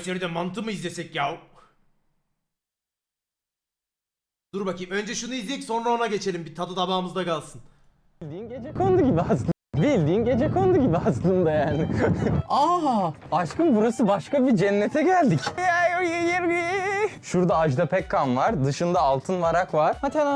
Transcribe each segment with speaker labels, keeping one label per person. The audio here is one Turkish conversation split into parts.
Speaker 1: Kayseri'de mantı mı izlesek ya? Dur bakayım. Önce şunu izleyek sonra ona geçelim. Bir tadı tabağımızda kalsın.
Speaker 2: Bildiğin gecekondu gibi aslında. Bildiğin gecekondu gibi aslında yani. Aa, aşkım burası başka bir cennete geldik. Şurada Ajda Pekkan var, dışında Altın Varak var.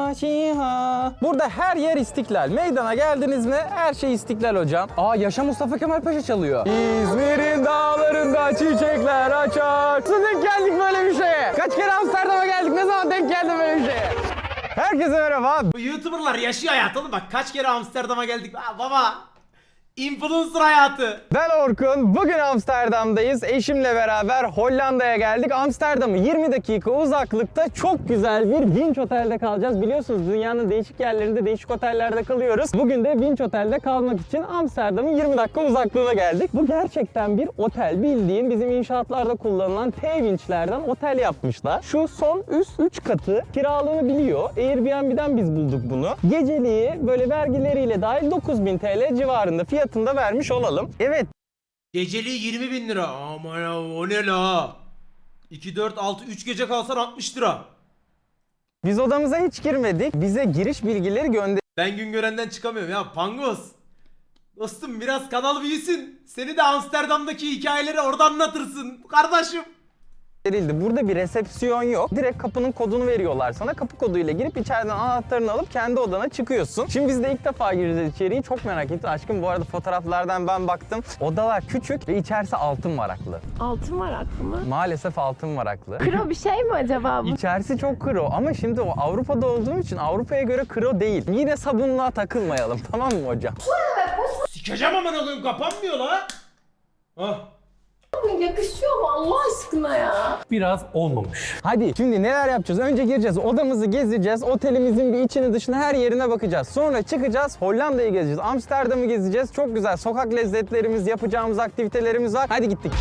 Speaker 2: Burada her yer İstiklal. Meydana geldiniz mi? Her şey İstiklal hocam. Aa, Yaşa Mustafa Kemal Paşa çalıyor. İzmir'in dağlarında çiçekler açar. Nasıl denk geldik böyle bir şeye? Kaç kere Amsterdam'a geldik? Ne zaman denk geldim böyle bir şeye? Herkese merhaba.
Speaker 1: Bu YouTuber'lar yaşıyor hayat oğlum. Bak kaç kere Amsterdam'a geldik. Aa, baba. Influencer hayatı.
Speaker 2: Ben Orkun. Bugün Amsterdam'dayız. Eşimle beraber Hollanda'ya geldik. Amsterdam'ı 20 dakika uzaklıkta çok güzel bir Winch Otel'de kalacağız. Biliyorsunuz dünyanın değişik yerlerinde değişik otellerde kalıyoruz. Bugün de Winch Otel'de kalmak için Amsterdam'ın 20 dakika uzaklığına geldik. Bu gerçekten bir otel. Bildiğin bizim inşaatlarda kullanılan T-Winch'lerden otel yapmışlar. Şu son üst 3 katı kiralığını biliyor. Airbnb'den biz bulduk bunu. Geceliği böyle vergileriyle dahil 9.000 TL civarında fiyatında vermiş olalım. Evet.
Speaker 1: Geceliği 20.000 lira. Aman ya, o ne la? 2, 4, 6, 3 gece kalsan 60 lira.
Speaker 2: Biz odamıza hiç girmedik. Bize giriş bilgileri
Speaker 1: Ben Güngören'den çıkamıyorum ya. Pangos. Dostum biraz kanal büyüsün. Seni de Amsterdam'daki hikayeleri orada anlatırsın. Kardeşim.
Speaker 2: gönderildi. Burada bir resepsiyon yok. Direkt kapının kodunu veriyorlar sana. Kapı koduyla girip içeriden anahtarını alıp kendi odana çıkıyorsun. Şimdi biz de ilk defa gireceğiz içeriği. Çok merak ettim. Aşkım bu arada fotoğraflardan ben baktım. Odalar küçük ve içerisi altın varaklı.
Speaker 3: Altın varaklı mı?
Speaker 2: Maalesef altın varaklı.
Speaker 3: Kro bir şey mi acaba bu?
Speaker 2: İçerisi çok kro ama şimdi o Avrupa'da olduğum için Avrupa'ya göre kro değil. Yine sabunluğa takılmayalım, tamam mı hocam?
Speaker 1: Sikeceğim aman oğlum, kapanmıyor la. Hah.
Speaker 3: Yakışıyor mu Allah aşkına ya?
Speaker 4: Biraz olmamış.
Speaker 2: Hadi şimdi neler yapacağız? Önce gireceğiz, odamızı gezeceğiz, otelimizin bir içini dışını her yerine bakacağız. Sonra çıkacağız, Hollanda'yı gezeceğiz, Amsterdam'ı gezeceğiz. Çok güzel sokak lezzetlerimiz, yapacağımız aktivitelerimiz var. Hadi gittik.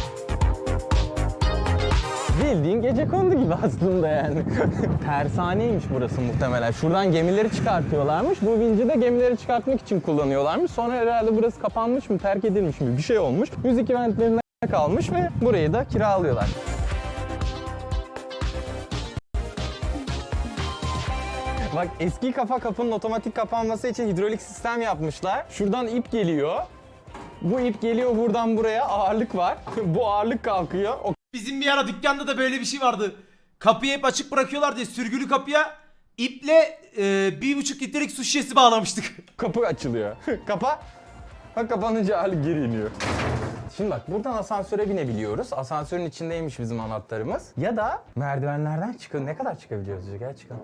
Speaker 2: Bildiğin gecekondu gibi aslında yani. Tersaneymiş burası muhtemelen. Şuradan gemileri çıkartıyorlarmış. Bu vinci de gemileri çıkartmak için kullanıyorlarmış. Sonra herhalde burası kapanmış mı, terk edilmiş mi bir şey olmuş. Müzik eventlerine kalmış ve burayı da kiralıyorlar. Bak eski kafa kapının otomatik kapanması için hidrolik sistem yapmışlar. Şuradan ip geliyor. Bu ip geliyor buradan buraya, ağırlık var. Bu ağırlık kalkıyor. O
Speaker 1: Bizim bir ara dükkanda da böyle bir şey vardı. Kapıyı hep açık bırakıyorlar diye sürgülü kapıya iple 1,5 litrelik su şişesi bağlamıştık.
Speaker 2: kapı açılıyor. Kapa. Bak kapanınca ağırlık geri iniyor. Şimdi bak buradan asansöre binebiliyoruz. Asansörün içindeymiş bizim anahtarımız. Ya da merdivenlerden çıkın. Ne kadar çıkabiliyoruz? Gel çıkalım.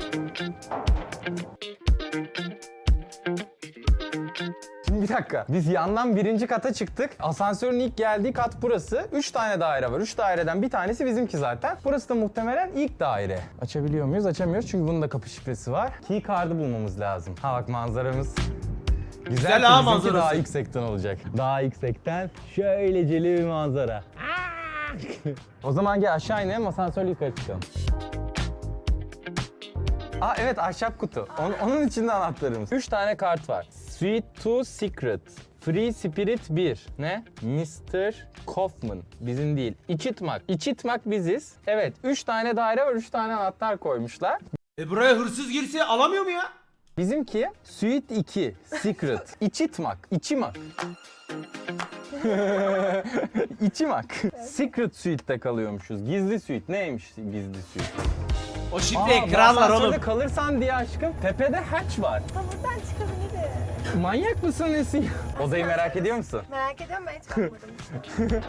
Speaker 2: Şimdi bir dakika. Biz yandan birinci kata çıktık. Asansörün ilk geldiği kat burası. 3 tane daire var. 3 daireden bir tanesi bizimki zaten. Burası da muhtemelen ilk daire. Açabiliyor muyuz? Açamıyoruz çünkü bunun da kapı şifresi var. Key card'ı bulmamız lazım. Ha bak manzaramız. Güzel
Speaker 1: ha
Speaker 2: bizimki
Speaker 1: manzarası.
Speaker 2: daha yüksekten olacak. Daha yüksekten şöyleceli bir manzara. O zaman gel aşağı inelim, asansörle yukarı çıkalım. Aa evet, ahşap kutu. Onun içinde anahtarımız. 3 tane kart var. Suite 2 Secret. Free Spirit 1. Ne? Mr. Kaufman. Bizim değil. İçitmak. İçitmak biziz. Evet 3 tane daire var, 3 tane anahtar koymuşlar.
Speaker 1: Buraya hırsız girse alamıyor mu ya?
Speaker 2: Bizimki Suite 2 Secret. İçitmak. İçimak. İçimak. Secret Suite'de kalıyormuşuz. Gizli suite. Neymiş gizli suite?
Speaker 1: O şifreyi kırarlar oğlum.
Speaker 2: Asansörde kalırsan diye aşkım tepede hatch var.
Speaker 3: Buradan çıkabilirim.
Speaker 2: Manyak mısın Nesin? Odayı merak ediyor musun?
Speaker 3: Merak ediyorum, ben hiç bakmadım.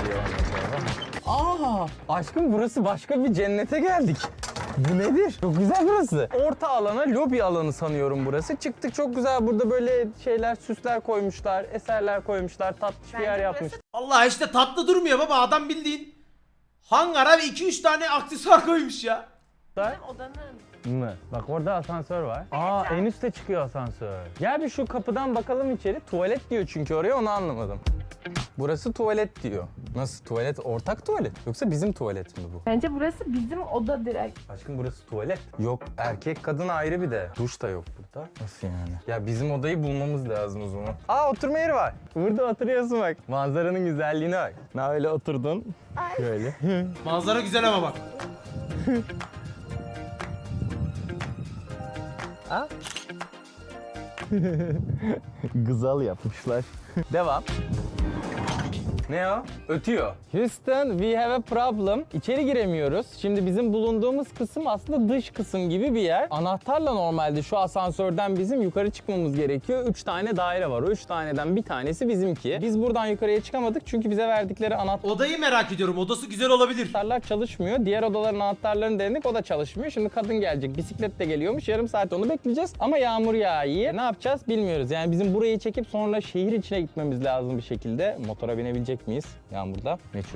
Speaker 2: Aa, aşkım burası başka bir cennete geldik. Bu nedir? Çok güzel burası. Orta alana, lobi alanı sanıyorum burası. Çıktık, çok güzel. Burada böyle şeyler, süsler koymuşlar, eserler koymuşlar, tatlış bir yer
Speaker 3: Bence
Speaker 2: yapmış.
Speaker 1: Allah işte tatlı durmuyor baba, adam bildiğin hangara ve 2-3 tane aksesuar koymuş ya.
Speaker 3: Bizim odanın
Speaker 2: mı? Bak orada asansör var. Aa en üstte çıkıyor asansör. Gel bir şu kapıdan bakalım içeri. Tuvalet diyor çünkü oraya, onu anlamadım. Burası tuvalet diyor. Nasıl tuvalet? Ortak tuvalet. Yoksa bizim tuvalet mi bu?
Speaker 3: Bence burası bizim oda direkt.
Speaker 2: Aşkım burası tuvalet. Yok, erkek kadın ayrı bir de. Duş da yok burada. Nasıl yani? Ya bizim odayı bulmamız lazım o zaman. Aa oturma yeri var. Burada oturuyorsun bak. Manzaranın güzelliğine bak. Ne öyle oturdun? Şöyle.
Speaker 1: Manzara güzel ama bak.
Speaker 2: Ha? Gızal yapmışlar. Devam. Ne o? Ötüyor. Houston, we have a problem. İçeri giremiyoruz. Şimdi bizim bulunduğumuz kısım aslında dış kısım gibi bir yer. Anahtarla normalde şu asansörden bizim yukarı çıkmamız gerekiyor. 3 tane daire var. O 3 taneden bir tanesi bizimki. Biz buradan yukarıya çıkamadık çünkü bize verdikleri
Speaker 1: Odayı merak ediyorum. Odası güzel olabilir.
Speaker 2: anahtarlar çalışmıyor. Diğer odaların anahtarlarını denedik, o da çalışmıyor. Şimdi kadın gelecek, bisikletle geliyormuş. Yarım saat onu bekleyeceğiz. Ama yağmur yağıyor. Ne yapacağız bilmiyoruz. Yani bizim burayı çekip sonra şehir içine gitmemiz lazım bir şekilde. Motora binebilecek miyiz yağmurda? Meçhul.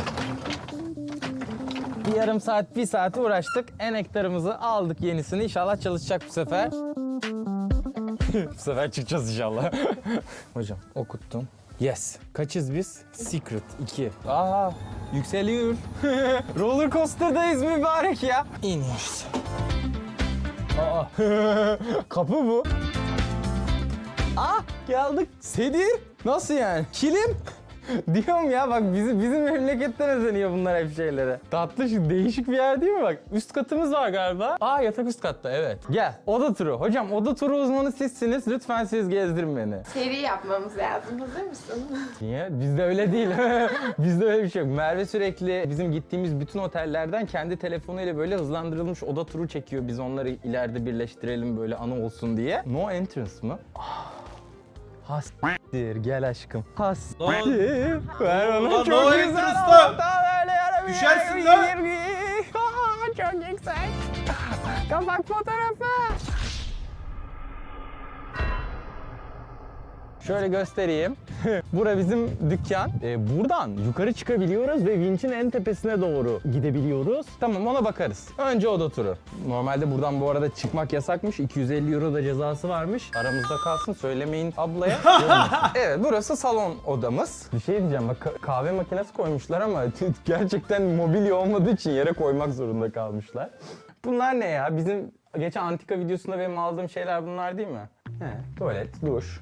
Speaker 2: Bir yarım saat, bir saat uğraştık. Enektarımızı aldık, yenisini. İnşallah çalışacak bu sefer. Bu sefer çıkacağız inşallah. Hocam okuttum. Yes. Kaçız biz? Secret 2. Aa, yükseliyor. Roller coaster'dayız mübarek ya. İniyoruz. Aa, kapı bu. Aa, geldik. Sedir. Nasıl yani? Kilim. Diyorum ya bak, bizim memleketten özeniyor bunlar hep şeylere. Tatlı şu değişik bir yer değil mi bak? Üst katımız var galiba. Aa, yatak üst katta, evet. Gel, oda turu. Hocam oda turu uzmanı sizsiniz. Lütfen siz gezdirin beni.
Speaker 3: Seri yapmamız lazım. Hazır mısın?
Speaker 2: Niye? Bizde öyle değil. Bizde öyle bir şey yok. Merve sürekli bizim gittiğimiz bütün otellerden kendi telefonuyla böyle hızlandırılmış oda turu çekiyor. Biz onları ileride birleştirelim böyle anı olsun diye. No entrance mı? Hastir, gel aşkım. Hastir. Ver
Speaker 1: Lan,
Speaker 2: bana
Speaker 1: no
Speaker 2: çok güzel.
Speaker 1: entrance lan.
Speaker 2: Hatta böyle yarım
Speaker 1: Düşersin
Speaker 2: yer,
Speaker 1: lan.
Speaker 2: Çok yüksek. Kapak fotoğrafı. Şöyle göstereyim. Bura bizim dükkan. Buradan yukarı çıkabiliyoruz ve vinçin en tepesine doğru gidebiliyoruz. Tamam, ona bakarız. Önce oda turu. Normalde buradan bu arada çıkmak yasakmış. 250 euro da cezası varmış. Aramızda kalsın, söylemeyin ablaya. Evet, burası salon odamız. Bir şey diyeceğim, bak kahve makinesi koymuşlar ama gerçekten mobilya olmadığı için yere koymak zorunda kalmışlar. Bunlar ne ya? Bizim geçen antika videosunda benim aldığım şeyler bunlar değil mi? He, tuvalet, duş.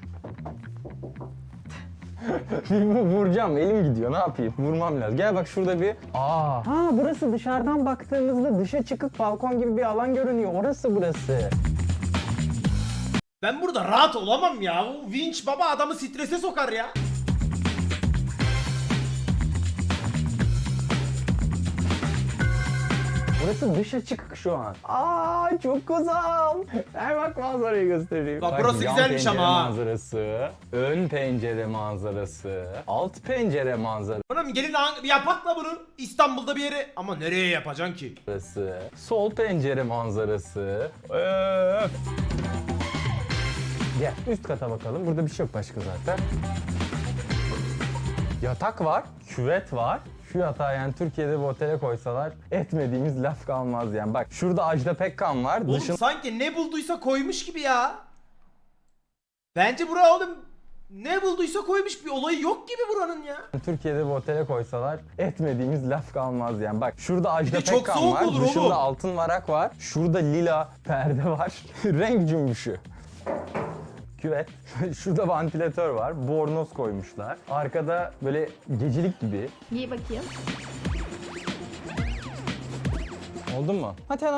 Speaker 2: Vuracağım, elim gidiyor, ne yapayım? Vurmam lazım. Gel bak şurada bir... Aa. Ha, burası dışarıdan baktığımızda dışa çıkık balkon gibi bir alan görünüyor. Orası burası.
Speaker 1: Ben burada rahat olamam ya. Bu vinç baba adamı strese sokar ya.
Speaker 2: Burası dışa çıkık şu an. Aa, çok güzel. Ver bak manzarayı göstereyim.
Speaker 1: Bak
Speaker 2: Bak,
Speaker 1: burası
Speaker 2: yan
Speaker 1: güzelmiş
Speaker 2: pencere
Speaker 1: ama ha.
Speaker 2: manzarası, ön pencere manzarası, alt pencere manzarası.
Speaker 1: Oğlum gelin yapak da bunu İstanbul'da bir yere. Ama nereye yapacaksın ki?
Speaker 2: Sol pencere manzarası. Öf. Gel üst kata bakalım. Burada bir şey yok başka zaten. Yatak var, küvet var. Şu yatağı yani Türkiye'de bir otele koysalar etmediğimiz laf kalmaz yani. Bak şurada Ajda Pekkan var.
Speaker 1: Oğlum sanki ne bulduysa koymuş gibi ya. Bence bura oğlum ne bulduysa koymuş, bir olayı yok gibi buranın ya.
Speaker 2: Türkiye'de bir otele koysalar etmediğimiz laf kalmaz yani. Bak şurada Ajda
Speaker 1: çok
Speaker 2: Pekkan
Speaker 1: soğuk
Speaker 2: var.
Speaker 1: olur
Speaker 2: Dışında
Speaker 1: oğlum.
Speaker 2: altın varak var. Şurada lila perde var. Renk cümbüşü. Küvet. Şurada vantilatör var. Bornoz koymuşlar. Arkada böyle gecelik gibi.
Speaker 3: Giy bakayım.
Speaker 2: Oldu mu?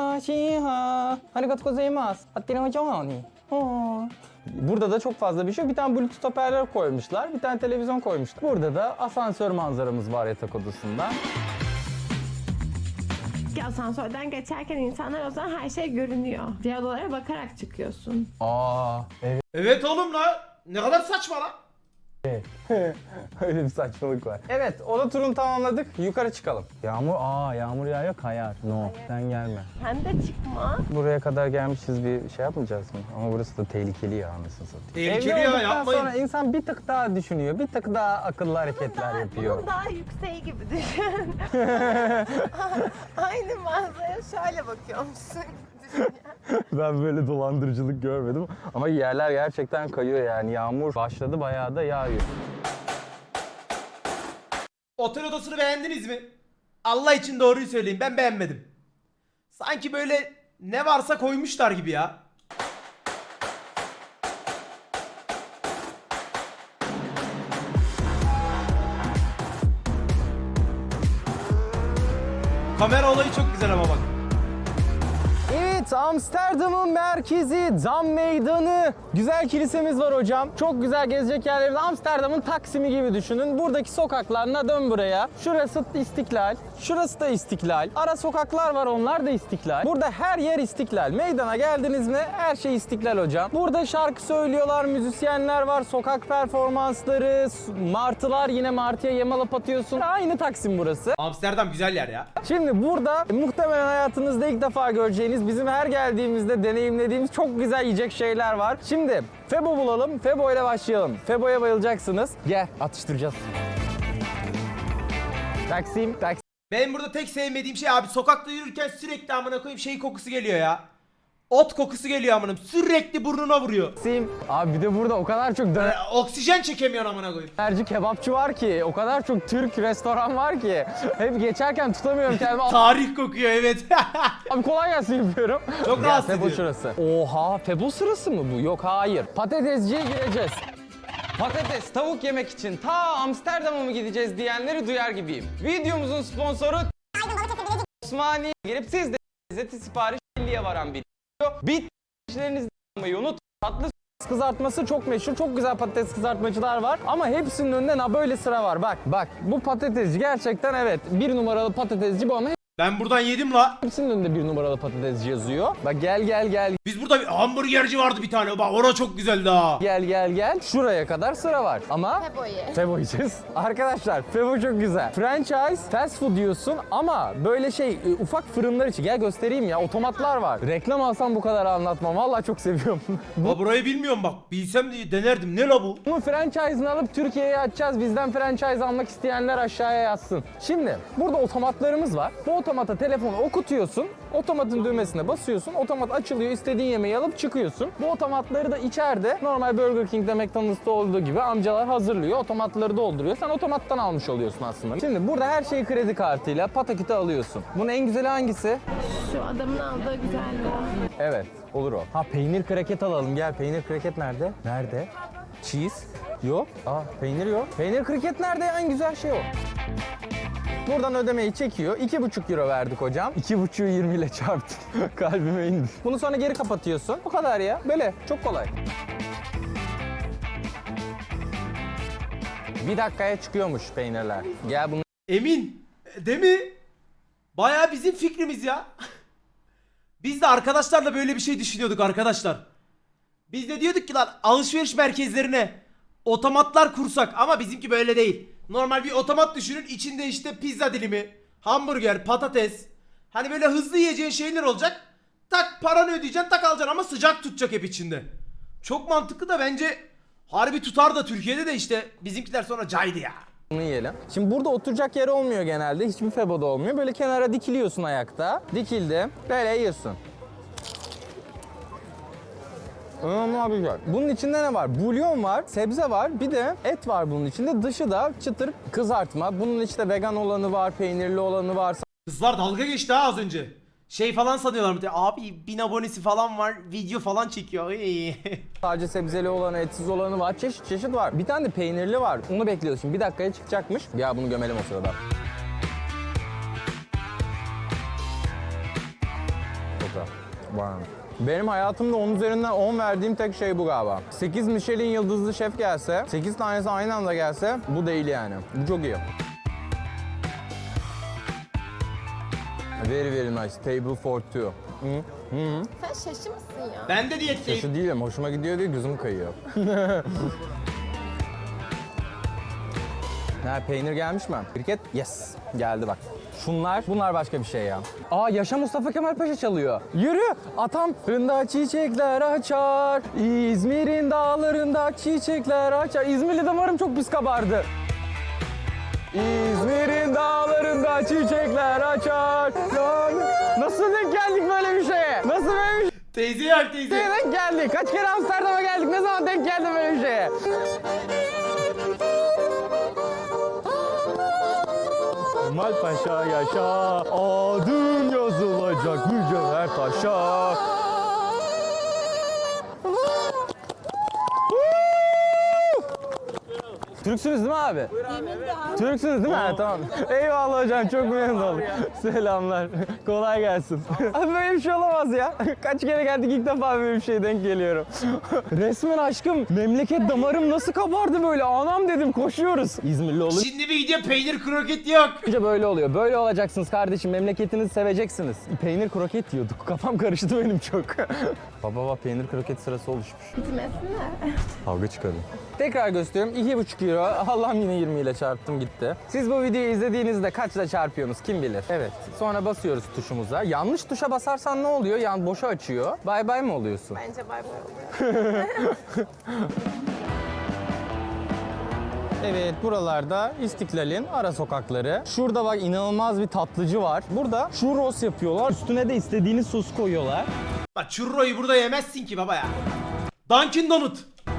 Speaker 2: Burada da çok fazla bir şey yok. Bir tane Bluetooth hoparlör koymuşlar. Bir tane televizyon koymuşlar. Burada da asansör manzaramız var yatak odasında.
Speaker 3: Asansörden geçerken insanlar o zaman her şey görünüyor. Diğer odalara bakarak çıkıyorsun.
Speaker 2: Aa, evet.
Speaker 1: Evet oğlum la. Ne kadar saçma la.
Speaker 2: Öyle bir saçmalık var. Evet, oda turunu tamamladık. Yukarı çıkalım. Yağmur yağıyor, kayar. No, sen gelme.
Speaker 3: Sen de çıkma.
Speaker 2: Buraya kadar gelmişiz, bir şey yapmayacağız mı? Ama burası da tehlikeli ya, anasını satayım.
Speaker 1: Tehlikeli
Speaker 2: Evli
Speaker 1: ya,
Speaker 2: olduktan
Speaker 1: yapmayın.
Speaker 2: sonra insan bir tık daha düşünüyor, bir tık daha akıllı hareketler yapıyor.
Speaker 3: Bunun daha yükseği gibi düşün. Aynı manzaraya şöyle bakıyormuşsun.
Speaker 2: Ben böyle dolandırıcılık görmedim. Ama yerler gerçekten kayıyor yani. Yağmur başladı, bayağı da yağıyor.
Speaker 1: Otel odasını beğendiniz mi? Allah için doğruyu söyleyeyim, ben beğenmedim. Sanki böyle ne varsa koymuşlar gibi ya. Kamera olayı çok güzel ama bak.
Speaker 2: Evet, Amsterdam'ın merkezi, Dam Meydanı. Güzel kilisemiz var hocam. Çok güzel gezecek yerlerimiz. Amsterdam'ın Taksim'i gibi düşünün. Buradaki sokaklarına dön buraya. Şurası İstiklal, şurası da İstiklal. Ara sokaklar var, onlar da İstiklal. Burada her yer İstiklal. Meydana geldiniz mi her şey İstiklal hocam. Burada şarkı söylüyorlar, müzisyenler var, sokak performansları, martılar, yine martıya yem alıp atıyorsun. Aynı Taksim burası.
Speaker 1: Amsterdam güzel yer ya.
Speaker 2: Şimdi burada muhtemelen hayatınızda ilk defa göreceğiniz, bizim her geldiğimizde deneyimlediğimiz çok güzel yiyecek şeyler var. Şimdi Febo bulalım, Febo ile başlayalım. Febo'ya bayılacaksınız. Gel, atıştıracağız. Taksim.
Speaker 1: Benim burada tek sevmediğim şey abi, sokakta yürürken sürekli amına koyayım şey kokusu geliyor ya. Ot kokusu geliyor amınım. Sürekli burnuna vuruyor.
Speaker 2: Abi bir de burada o kadar çok
Speaker 1: Oksijen çekemiyorsun amına koyayım.
Speaker 2: dönerci, kebapçı var ki, o kadar çok Türk restoran var ki. Hep geçerken tutamıyorum kendimi.
Speaker 1: Tarih kokuyor evet.
Speaker 2: Abi kolay gelsin yapıyorum.
Speaker 1: Çok
Speaker 2: Gel,
Speaker 1: rahatsız
Speaker 2: Febo
Speaker 1: ediyor.
Speaker 2: şurası. Oha, Febo sırası mı bu? Yok, hayır. Patatesciye gireceğiz. Patates, tavuk yemek için ta Amsterdam'a mı gideceğiz diyenleri duyar gibiyim. Videomuzun sponsoru Osmaniye. Girip siz de lezzeti sipariş 50'ye varan bir video. Bitmişlerinizi almayı unutmayın. Tatlı kızartması çok meşhur. Çok güzel patates kızartmacılar var. Ama hepsinin önünde böyle sıra var. Bak bu patatesci gerçekten evet. Bir numaralı patatesci bu, ama
Speaker 1: Ben buradan yedim la.
Speaker 2: hepsinin önünde bir numaralı patatesci yazıyor. Bak gel.
Speaker 1: Biz burada bir hamburgerci vardı bir tane. Bak orası çok güzeldi ha.
Speaker 2: Gel. Şuraya kadar sıra var. Ama Febo yiyeceğiz. Arkadaşlar Febo çok güzel. Franchise, fast food diyorsun ama böyle ufak fırınlar için. Gel göstereyim ya, otomatlar var. Reklam alsam bu kadar anlatmam. Vallahi çok seviyorum.
Speaker 1: La burayı bilmiyorum bak. Bilsem de denerdim. Ne la bu?
Speaker 2: Bunun franchise'ını alıp Türkiye'ye açacağız. Bizden franchise almak isteyenler aşağıya yazsın. Şimdi burada otomatlarımız var. Bu otomata telefonu okutuyorsun. Otomatın düğmesine basıyorsun. Otomat açılıyor. İstediğin yemeği alıp çıkıyorsun. Bu otomatları da içeride normal Burger King'de, McDonald's'ta olduğu gibi amcalar hazırlıyor. Otomatları dolduruyor. Sen otomattan almış oluyorsun aslında. Şimdi burada her şeyi kredi kartıyla pataküte alıyorsun. Bunun en güzeli hangisi?
Speaker 3: Şu adamın aldığı güzeldi.
Speaker 2: Evet, olur o. Ha, peynir kraket alalım. Gel, peynir kraket nerede? Nerede? Cheese? Yok. Peynir yok. Peynir kraket nerede? En güzel şey o. Buradan ödemeyi çekiyor. 2,5 euro verdik hocam. 2,5'ü 20 ile çarptım. Kalbime indi. Bunu sonra geri kapatıyorsun. Bu kadar ya. Böyle. Çok kolay. Bir dakikaya çıkıyormuş peynirler. Gel bunu.
Speaker 1: Emin. Değil mi? Bayağı bizim fikrimiz ya. Biz de arkadaşlarla böyle bir şey düşünüyorduk arkadaşlar. Biz de diyorduk ki lan alışveriş merkezlerine otomatlar kursak, ama bizimki böyle değil. Normal bir otomat düşünün, içinde işte pizza dilimi, hamburger, patates. Hani böyle hızlı yiyeceğin şeyler olacak. Tak paranı ödeyeceksin, tak alacaksın ama sıcak tutacak hep içinde. Çok mantıklı da bence harbi tutar da Türkiye'de de işte bizimkiler sonra caydı ya.
Speaker 2: Bunu yiyelim. Şimdi burada oturacak yer olmuyor genelde. Hiçbir Febo'da olmuyor. Böyle kenara dikiliyorsun ayakta. Dikildim. Böyle yiyorsun. Ama güzel. Bunun içinde ne var? Bulyon var, sebze var, bir de et var bunun içinde. Dışı da çıtır kızartma. Bunun işte vegan olanı var, peynirli olanı var.
Speaker 1: Kızlar dalga geçti ha az önce. Şey falan sanıyorlar mı? Abi 1000 abonesi falan var, video falan çekiyor.
Speaker 2: Sadece sebzeli olanı, etsiz olanı var. Çeşit çeşit var. Bir tane de peynirli var. Onu bekliyoruz şimdi. Bir dakikaya çıkacakmış. Ya bunu gömelim o sırada. Çok güzel. Wow. Benim hayatımda 10 üzerinden 10 verdiğim tek şey bu galiba. 8 Michelin yıldızlı şef gelse, 8 tanesi aynı anda gelse bu değil yani. Bu çok iyi. Very nice. Table for two.
Speaker 3: Sen şaşı mısın ya?
Speaker 1: Ben de diyetteyim.
Speaker 2: Şu değilim. Hoşuma gidiyor diye gözüm kayıyor. Peynir gelmiş mi? Kriket? Yes. Geldi bak. Bunlar başka bir şey ya. Yaşa Mustafa Kemal Paşa çalıyor. Yürü. Atam. Fırında çiçekler açar. İzmir'in dağlarında çiçekler açar. İzmirli damarım çok pis kabardı. İzmir'in dağlarında çiçekler açar. Nasıl denk geldik böyle bir şeye? Nasıl böyle
Speaker 1: Teyze bak teyze.
Speaker 2: Nereye denk geldik? Kaç kere Amsterdam'a geldik? Ne zaman denk geldim böyle bir şeye? Kemal Paşa yaşa, adın yazılacak mücevher taşa. Türksünüz değil mi abi? Türksünüz değil mi? Ha, tamam. Eyvallah hocam, çok memnun oldum. Selamlar. Kolay gelsin. Abi böyle bir şey olamaz ya. Kaç kere geldik, ilk defa böyle bir şeye denk geliyorum. Resmen aşkım, memleket damarım nasıl kabardı böyle. Anam dedim, koşuyoruz. İzmirli olunca
Speaker 1: Şimdi bir gidiyor peynir kroket yok.
Speaker 2: böyle oluyor. Böyle olacaksınız kardeşim. Memleketinizi seveceksiniz. Peynir kroket yiyorduk. Kafam karıştı benim çok. Baba peynir kroket sırası oluşmuş.
Speaker 3: Gitmesine.
Speaker 2: Kavga çıkarın. Tekrar gösteriyorum. 2,5 euro. Allah'ım yine 20 ile çarptım gitti. Siz bu videoyu izlediğinizde kaçla çarpıyorsunuz kim bilir? Evet. Sonra basıyoruz tuşumuza. Yanlış tuşa basarsan ne oluyor? Yani boşa açıyor. Bay bay mı oluyorsun?
Speaker 3: Bence bay bay oluyor.
Speaker 2: Evet, buralarda İstiklal'in ara sokakları. Şurada bak inanılmaz bir tatlıcı var. Burada churros yapıyorlar. Üstüne de istediğiniz sos koyuyorlar.
Speaker 1: Bak churro'yu burada yemezsin ki baba ya. Dunkin Donut.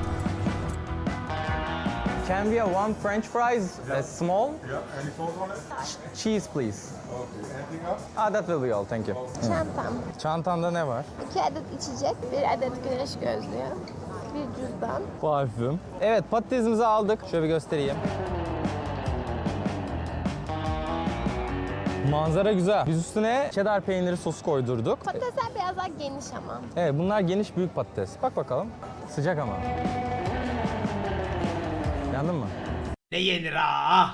Speaker 2: Can we have one French fries, small?
Speaker 4: Yeah, any sauce on it?
Speaker 2: Cheese please.
Speaker 4: Okay, anything else?
Speaker 2: That will be all, thank you.
Speaker 3: Çantam.
Speaker 2: Çantanda ne var?
Speaker 3: 2 adet içecek, 1 adet güneş gözlüğü, bir cüzdan.
Speaker 2: Parfüm. Evet, patatesimizi aldık. Şöyle bir göstereyim. Manzara güzel. Biz üstüne cheddar peyniri sosu koydurduk.
Speaker 3: Patatesler biraz daha geniş ama.
Speaker 2: Evet, bunlar geniş büyük patates. Bak bakalım. Sıcak ama. Yandın mı?
Speaker 1: Ne yenir ha?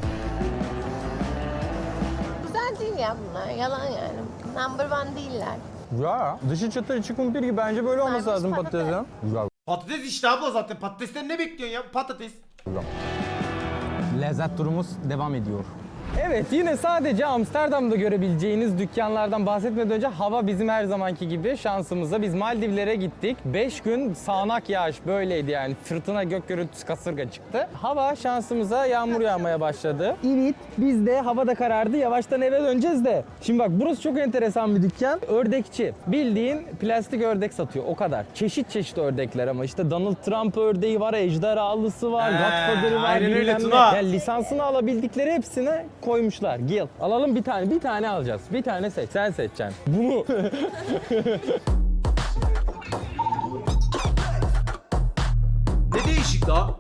Speaker 3: Güzel değil ya bunlar, yalan yani. Number one değiller.
Speaker 2: Ya, dışı çıtır içi kumpir gibi. Bence böyle olması
Speaker 3: Sarmış
Speaker 2: lazım
Speaker 3: patates.
Speaker 2: patatesin. Güzel.
Speaker 1: Patates işte abla zaten. Patatesten ne bekliyorsun ya? Patates.
Speaker 2: Lezzet turumuz devam ediyor. Evet, yine sadece Amsterdam'da görebileceğiniz dükkanlardan bahsetmeden önce hava bizim her zamanki gibi şansımıza. Biz Maldivlere gittik. 5 gün sağanak yağış böyleydi yani. Fırtına, gök gürültüsü, kasırga çıktı. Hava şansımıza yağmur yağmaya başladı. Evet, biz de hava da karardı. Yavaştan eve döneceğiz de. Şimdi bak burası çok enteresan bir dükkan. Ördekçi. Bildiğin plastik ördek satıyor. O kadar. Çeşit çeşit ördekler ama işte Donald Trump ördeği var, ejderhalısı var, Godfather'ı var,
Speaker 1: aynen öyle
Speaker 2: bilmem ne.
Speaker 1: Tuna.
Speaker 2: Yani lisansını alabildikleri hepsine koymuşlar. Gil. Alalım bir tane. Bir tane alacağız. Bir tane seç. Sen seçeceksin. Bunu.
Speaker 1: Ne değişik la?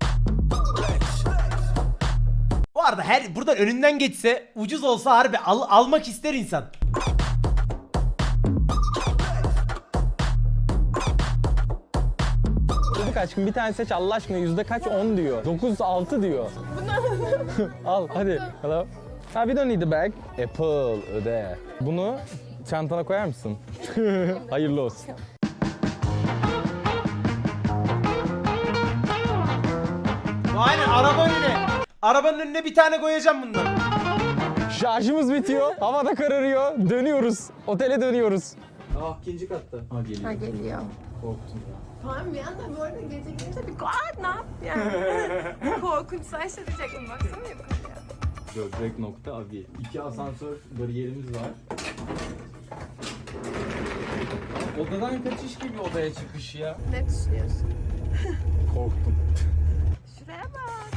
Speaker 1: Bu arada her buradan önünden geçse ucuz olsa harbi almak ister insan.
Speaker 2: Dedik aşkım bir tane seç Allah aşkına. Yüzde kaç? 10 diyor. 9,6 diyor. Al hadi. Hello. Ha, we don't need the bag. Apple öde. Bunu çantana koyar mısın? Hayırlı olsun.
Speaker 1: Aynen araba önüne. Arabanın önüne bir tane koyacağım bundan.
Speaker 2: Şarjımız bitiyor. Hava da kararıyor. Dönüyoruz. Otele dönüyoruz.
Speaker 3: Ha geliyor.
Speaker 2: Korktum ya.
Speaker 3: Tamam bir anda bu arada gece gelince bir ne yap yani. Korkunçsa diyecektim baksana yukarıya.
Speaker 2: Böbrek nokta abi. 2 asansör bariyerimiz var. Odadan kaçış gibi odaya çıkış ya.
Speaker 3: Ne düşünüyorsun?
Speaker 2: Korktum.
Speaker 3: Şuraya bak.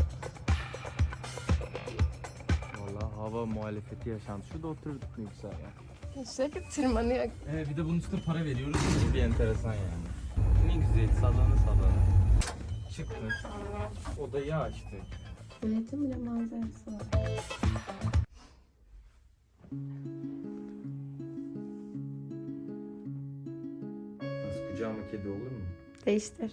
Speaker 2: Vallahi hava muhalefeti yaşandı. Şurada oturduk ne güzel ya.
Speaker 3: Sürekli tırmanıyor.
Speaker 2: Bir de bunun üstüne para veriyoruz. Bu bir enteresan yani. Ne güzel sallana. Çıktık. Odayı açtık.
Speaker 3: Milletin bile manzarası var.
Speaker 2: Nasıl kucağıma kedi olur mu?
Speaker 3: Değiştir.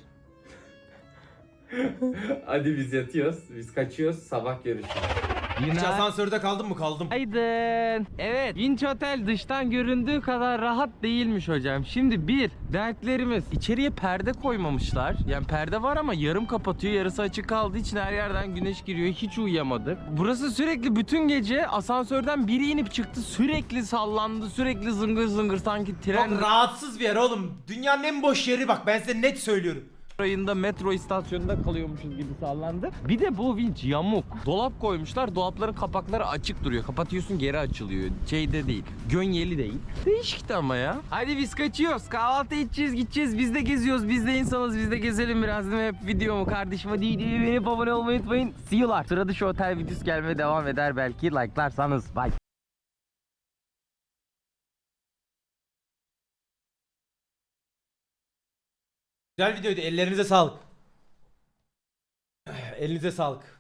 Speaker 2: Hadi biz yatıyoruz. Biz kaçıyoruz. Sabah görüşürüz.
Speaker 1: Hiç asansörde kaldın mı? Kaldım.
Speaker 2: Aydın. Evet, Vinç Otel dıştan göründüğü kadar rahat değilmiş hocam. Şimdi dertlerimiz. İçeriye perde koymamışlar. Yani perde var ama yarım kapatıyor, yarısı açık kaldığı için her yerden güneş giriyor. Hiç uyuyamadık. Burası sürekli bütün gece asansörden biri inip çıktı. Sürekli sallandı, sürekli zıngır zıngır sanki tren.
Speaker 1: Çok rahatsız bir yer oğlum. Dünyanın en boş yeri bak ben size net söylüyorum.
Speaker 5: ayında metro istasyonunda kalıyormuşuz gibi sallandı. Bir de bu vinç yamuk. Dolap koymuşlar. Dolapların kapakları açık duruyor. Kapatıyorsun geri açılıyor. Şeyde değil. Gönyeli değil. Değişikti ama ya. Hadi biz kaçıyoruz. Kahvaltı edeceğiz, gideceğiz. Biz de geziyoruz. Biz de insanız. Biz de gezelim biraz değil mi? Hep videomu kardeşim. Hadi beni abone olmayı unutmayın. See you later. Sırada şu otel videosu gelmeye devam eder belki. Like'larsanız. Bye.
Speaker 1: Güzel videoydu. Ellerinize sağlık. Elinize sağlık.